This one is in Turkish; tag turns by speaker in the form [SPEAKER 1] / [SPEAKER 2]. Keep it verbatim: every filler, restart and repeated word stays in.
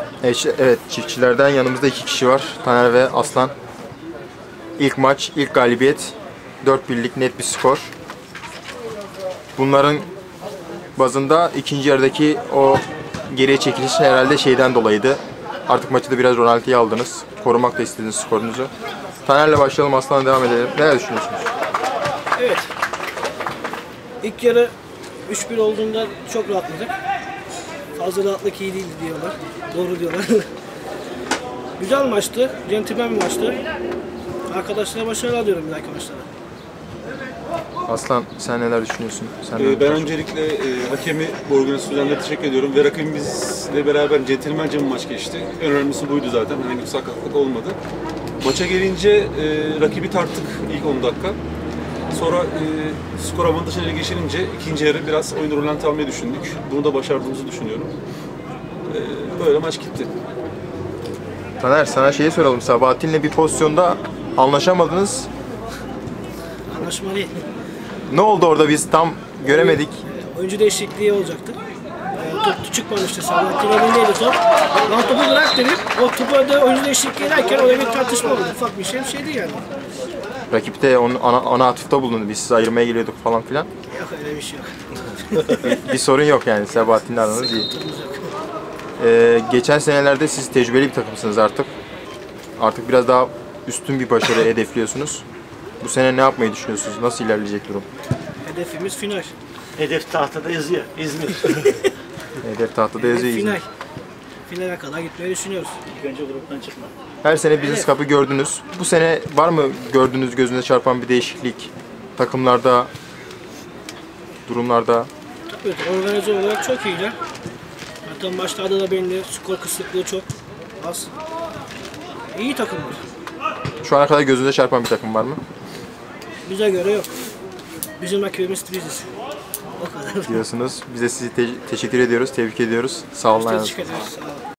[SPEAKER 1] Evet, evet, çiftçilerden yanımızda iki kişi var. Taner ve Aslan. İlk maç, ilk galibiyet. dört birlik net bir skor. Bunların bazında ikinci yarıdaki o geriye çekiliş herhalde şeyden dolayıydı. Artık maçı da biraz Ronaldo'ya aldınız. Korumak da istediniz skorunuzu. Taner'le başlayalım, Aslan'la devam edelim. Neler düşünüyorsunuz?
[SPEAKER 2] Evet. İlk yarı üç bir olduğunda çok rahatladık. Fazla rahatlık iyi değildi diyorlar. Doğru diyorlar. Güzel maçtı. Centilmen bir maçtı. Arkadaşlara başarılar diliyorum bir dahaki maçlara.
[SPEAKER 1] Aslan, sen neler düşünüyorsun? Sen
[SPEAKER 3] Ee, ben öncelikle e, hakemi bu organizasyonlarına teşekkür ediyorum ve rakibimizle beraber centilmence bir maç geçti. En önemlisi buydu zaten. Herhangi bir sakatlık olmadı. Maça gelince e, rakibi tarttık ilk on dakika. Sonra e, skor avantajına geçilince ikinci yarı biraz oyunu rölanti almayı düşündük. Bunu da başardığımızı düşünüyorum. E, böyle maç gitti.
[SPEAKER 1] Taner, sana şeyi soralım. Sabahattin'le bir pozisyonda anlaşamadınız.
[SPEAKER 2] Anlaşma değil.
[SPEAKER 1] Ne oldu orada, biz tam göremedik.
[SPEAKER 2] Oyuncu değişikliği olacaktı. E, top çıkmamıştı. Sabahattin elindeydi top. Ben topu bırak dedim. O topu da oyuncu değişikliği ederken oraya bir tartışma oldu. Ufak bir şey bir şeydi yani.
[SPEAKER 1] Rakip de onun ana, ana atıfta bulundu. Biz sizi ayırmaya geliyorduk falan filan.
[SPEAKER 2] Yok öyle bir şey yok.
[SPEAKER 1] Bir sorun yok yani, Sabahattin'le aranız iyi. Ee, geçen senelerde siz tecrübeli bir takımsınız artık. Artık biraz daha üstün bir başarı hedefliyorsunuz. Bu sene ne yapmayı düşünüyorsunuz? Nasıl ilerleyecek durum?
[SPEAKER 2] Hedefimiz final.
[SPEAKER 4] Hedef tahtada yazıyor. İzmir.
[SPEAKER 1] Hedef tahtada
[SPEAKER 2] Hedef
[SPEAKER 1] yazıyor.
[SPEAKER 2] final. Finale kadar gitmeyi düşünüyoruz.
[SPEAKER 4] İlk önce gruptan çıkma.
[SPEAKER 1] Her sene Business Cup'ı gördünüz. Bu sene var mı gördüğünüz, gözünüze çarpan bir değişiklik? Takımlarda, durumlarda?
[SPEAKER 2] Evet, organize olarak çok iyiler. Zaten başlarda da belli, skor kısıtlığı çok az. İyi takımlar.
[SPEAKER 1] Şu ana kadar gözünüze çarpan bir takım var mı?
[SPEAKER 2] Bize göre yok. Bizim rakibimiz biziz. O kadar.
[SPEAKER 1] Diyorsunuz. Biz de sizi te- teşekkür ediyoruz, tebrik ediyoruz. Sağ olun.
[SPEAKER 2] Teşekkür ederiz. Sağ olun.